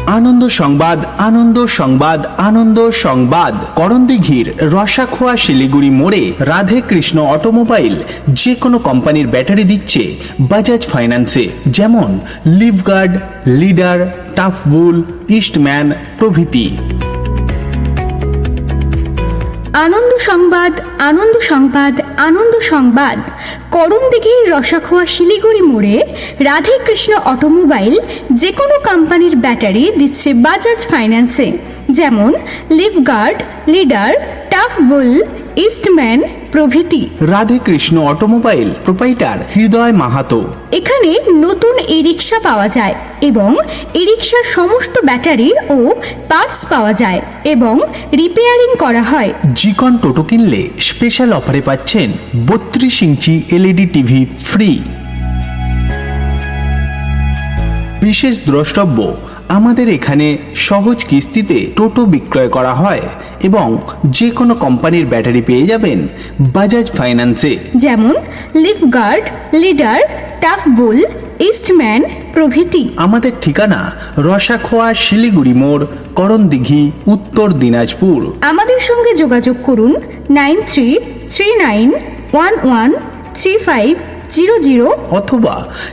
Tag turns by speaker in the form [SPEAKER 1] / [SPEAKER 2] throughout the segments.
[SPEAKER 1] আনন্দ সংবাদ, আনন্দ সংবাদ, আনন্দ সংবাদ। করণদিঘির রসাখোয়া শিলিগুড়ি মোড়ে রাধে কৃষ্ণ অটোমোবাইল যে কোনো কোম্পানির ব্যাটারি দিচ্ছে বাজাজ ফাইন্যান্সে, যেমন লিভগার্ড, লিডার, টাফবুল, ইস্টম্যান প্রভৃতি।
[SPEAKER 2] আনন্দ সংবাদ, আনন্দ সংবাদ, আনন্দ সংবাদ। করণদিঘির রসাখোয়া শিলিগুড়ি মোড়ে রাধে কৃষ্ণ অটোমোবাইল যে কোনো কোম্পানির ব্যাটারি দিচ্ছে বাজাজ ফাইন্যান্সে, যেমন লিভগার্ড, লিডার, টাফবুল, ইস্টম্যান প্রভৃতি।
[SPEAKER 1] Radhe Krishna automobile proprietor Hriday Mahato.
[SPEAKER 2] এখানে নতুন ই রিক্সা পাওয়া যায় এবং ই রিক্সার সমস্ত ব্যাটারি ও পার্টস পাওয়া যায় এবং রিপেয়ারিং করা হয়।
[SPEAKER 1] জিকন টোটো কিনলে স্পেশাল অফারে পাচ্ছেন 32 ইঞ্চি এলইডি টিভি ফ্রি। বিশেষ দ্রষ্টব্য, আমাদের এখানে সহজ কিস্তিতে টোটো বিক্রয় করা হয় এবং যে কোনো কোম্পানির ব্যাটারি পেয়ে যাবেন বাজাজ ফাইন্যান্সে,
[SPEAKER 2] যেমন লিভগার্ড, লিডার, টাফবুল, ইস্টম্যান প্রভৃতি।
[SPEAKER 1] আমাদের ঠিকানা রসাখোয়া শিলিগুড়ি মোড়, করণদিঘি, উত্তর দিনাজপুর।
[SPEAKER 2] আমাদের সঙ্গে যোগাযোগ করুন 9339113500
[SPEAKER 1] অথবা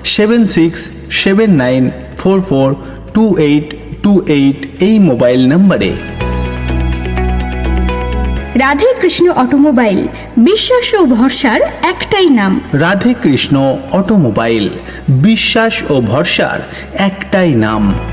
[SPEAKER 1] 7679442828 এই মোবাইল নম্বরে।
[SPEAKER 2] রাধে কৃষ্ণ অটোমোবাইল, বিশ্বাস ও ভরসার একটাই নাম।
[SPEAKER 1] রাধে কৃষ্ণ অটোমোবাইল, বিশ্বাস ও ভরসার একটাই নাম।